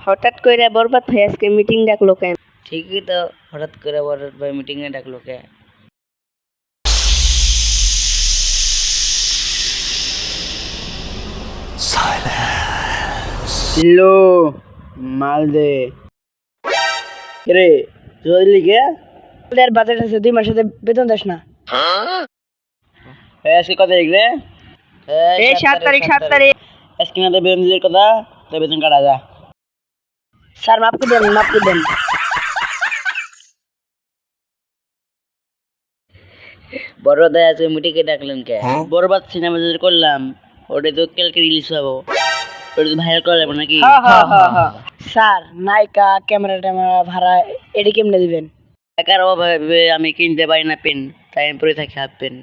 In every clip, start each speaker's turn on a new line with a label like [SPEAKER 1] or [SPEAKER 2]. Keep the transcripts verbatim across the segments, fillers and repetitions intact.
[SPEAKER 1] হঠাৎ করে বরবাদ ভাই আজকে মিটিং ডাকলো কেন?
[SPEAKER 2] ঠিকই তো, হঠাৎ করে বরবাদ ভাই মিটিং এ ডাকলো কে?
[SPEAKER 3] লো মাল দে রে জলদি কে
[SPEAKER 1] তোদের বাজেট আছে দুই মাসের বেতন দেস না।
[SPEAKER 3] আজকে কত তারিখ রে?
[SPEAKER 1] এই সাত তারিখ সাত তারিখ
[SPEAKER 3] আজকে না তো বেতন দিতে কথা, তো বেতন কাটা যা।
[SPEAKER 1] স্যার মাফ করে দেন মাফ করে দেন।
[SPEAKER 2] বরবাদ ভাই আজকে মিটিং এ ডাকলেন কে?
[SPEAKER 3] বরবাদ সিনেমা যে করলাম ওটা তো কালকে রিলিজ হবো, ওটা তো ভাইরাল করা যাবে নাকি?
[SPEAKER 1] হ্যাঁ হ্যাঁ হ্যাঁ হ্যাঁ স্যার নায়িকা ক্যামেরা ট্যামেরা ভাড়া এটি কেমনে দিবেন?
[SPEAKER 3] টাকার অভাবে আমি কিনতে পারি না পেন, তাই আমি পরে থাকি হাফ পেন।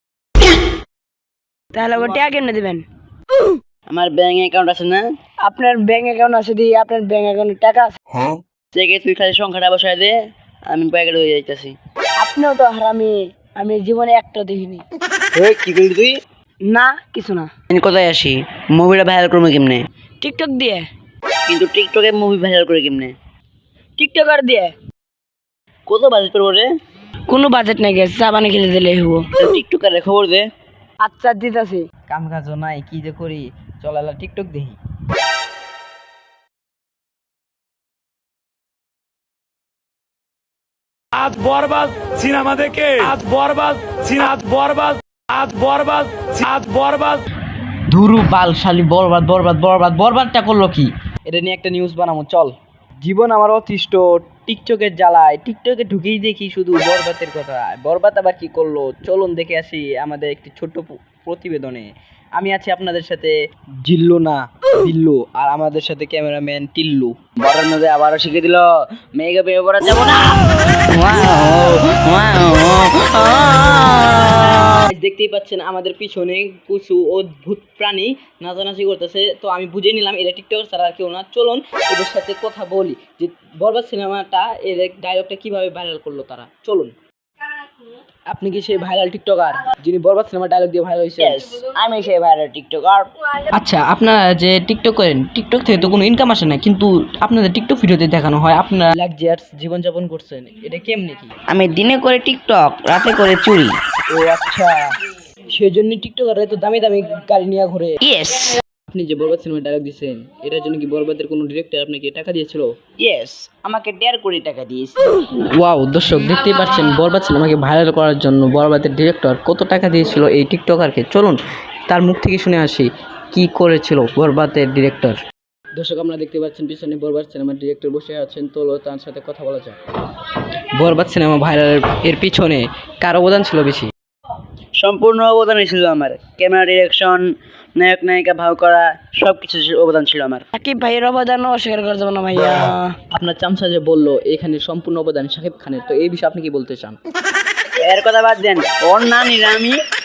[SPEAKER 1] তাহলে ওটা টাকা কেমনে দিবেন?
[SPEAKER 3] আমার ব্যাংক অ্যাকাউন্ট আছে না?
[SPEAKER 1] আপনার ব্যাংক অ্যাকাউন্ট আছে দি আপনার ব্যাংক অ্যাকাউন্টে টাকা আছে?
[SPEAKER 3] চেকে তুই খালি সংখ্যাটা বসায় দে, আমি প্যাকেট হয়ে যাইতেছি।
[SPEAKER 1] আপনিও তো হারামি, আমি জীবনে একটা দেখিনি।
[SPEAKER 3] ওই কি করলি তুই?
[SPEAKER 1] না কিছু না।
[SPEAKER 3] আমি কোথায় আসি? মুভিটা ভাইরাল করবো কেমনে?
[SPEAKER 1] টিকটক দিয়ে।
[SPEAKER 3] কিন্তু টিকটকে মুভি ভাইরাল করে কেমনে?
[SPEAKER 1] টিকটকার দিয়ে।
[SPEAKER 3] কত বাজেট পড়বো রে?
[SPEAKER 1] কোনো বাজেট নাই গেছে, চা পানি খেলে দিলে হবো।
[SPEAKER 3] টিকটকারে খবর দে।
[SPEAKER 1] আচ্ছা দিতাছি।
[SPEAKER 2] কাম কাজও নাই, কি যে করি, চলালা টিকটক দেখি।
[SPEAKER 4] আজ বরবাদ সিনেমা দেখে আজ বরবাদ আজ বরবাদ আজ বরবাদ আজ বরবাদ
[SPEAKER 2] ধুরু বাল শালি বরবাদ বরবাদ বরবাদ বরবাদটা করলো কি? এটা নিয়ে একটা নিউজ বানাবো চল। জীবন আমার অতিষ্ঠ টিকটকের জ্বালায়, টিকটকে ঢুকেই দেখি শুধু বরবাদের কথা। বরবাদ আবার কি করলো চলুন দেখে আসি আমাদের একটি ছোট্ট প- প্রতিবেদনে। আমি আছি আপনাদের সাথে জিল্লু না বিল্লু, আর আমাদের সাথে ক্যামেরাম্যান টিল্লু।
[SPEAKER 3] বড় নদী আবারও শিখে দিল, মেয়েকে বিয়ে করা যাবো না।
[SPEAKER 2] দেখতেই পাচ্ছেন আমাদের পিছনে কিছু অদ্ভুত প্রাণী নাচানাচি করতেছে, তো আমি বুঝে নিলাম এটা টিকটক ছাড়া আর কেউ না। চলুন এদের সাথে কথা বলি যে বরবাদ সিনেমাটা এর ডায়লগটা কিভাবে ভাইরাল করলো তারা। চলুন। আপনি কি সেই ভাইরাল টিকটকার যিনি বরবাদ সিনেমা ডায়লগ দিয়ে ভাইরাল হয়েছে?
[SPEAKER 3] আমি সেই ভাইরাল টিকটকার।
[SPEAKER 2] আচ্ছা, আপনারা যে টিকটক করেন, টিকটক থেকে তো কোনো ইনকাম আসে না, কিন্তু আপনাদের টিকটক ভিডিওতে দেখানো হয় আপনারা লাক্সারিয়াস জীবনযাপন করছেন, এটা কেমনে কি?
[SPEAKER 3] আমি দিনে করে টিকটক, রাতে করে চুরি।
[SPEAKER 2] ও আচ্ছা, সেই জন্য টিকটকাররা তো দামি দামি গাড়ি নিয়ে ঘুরে।
[SPEAKER 3] ইয়েস
[SPEAKER 2] আপনি যে বরবাদ সিনেমা ডায়লগ দিচ্ছেন, এটার জন্য কি বরবাদের কোনো ডিরেক্টর আপনাকে টাকা দিয়েছিল?
[SPEAKER 3] ইয়েস আমাকে দেড় কোটি টাকা দিয়েছে।
[SPEAKER 2] ওয়াও, দর্শক দেখতেই পাচ্ছেন বরবাদ সিনেমাকে ভাইরাল করার জন্য বরবাদের ডিরেক্টর কত টাকা দিয়েছিল এই টিকটকারকে। চলুন তার মুখ থেকে শুনে আসি কি করেছিল বরবাদের ডিরেক্টর। দর্শক আমরা দেখতে পাচ্ছেন পিছনে বরবাদ সিনেমার ডিরেক্টর বসে আছেন, তো তার সাথে কথা বলা যায়। বরবাদ সিনেমা ভাইরাল এর পিছনে কার অবদান ছিল বেশি?
[SPEAKER 3] সম্পূর্ণ অবদানই ছিল আমার। ক্যামেরা ডিরেকশন, নায়ক নায়িকা ভাও করা, সব কিছু অবদান ছিল আমার।
[SPEAKER 1] সাকিব ভাইয়ের অবদান অস্বীকার করে যাবো না ভাইয়া।
[SPEAKER 2] আপনার চামচা যে বললো এখানে সম্পূর্ণ অবদান শাকিব খানের, তো এই বিষয়ে আপনি কি বলতে চান?
[SPEAKER 3] এর কথা বাদ দেন, ওর নানি আমি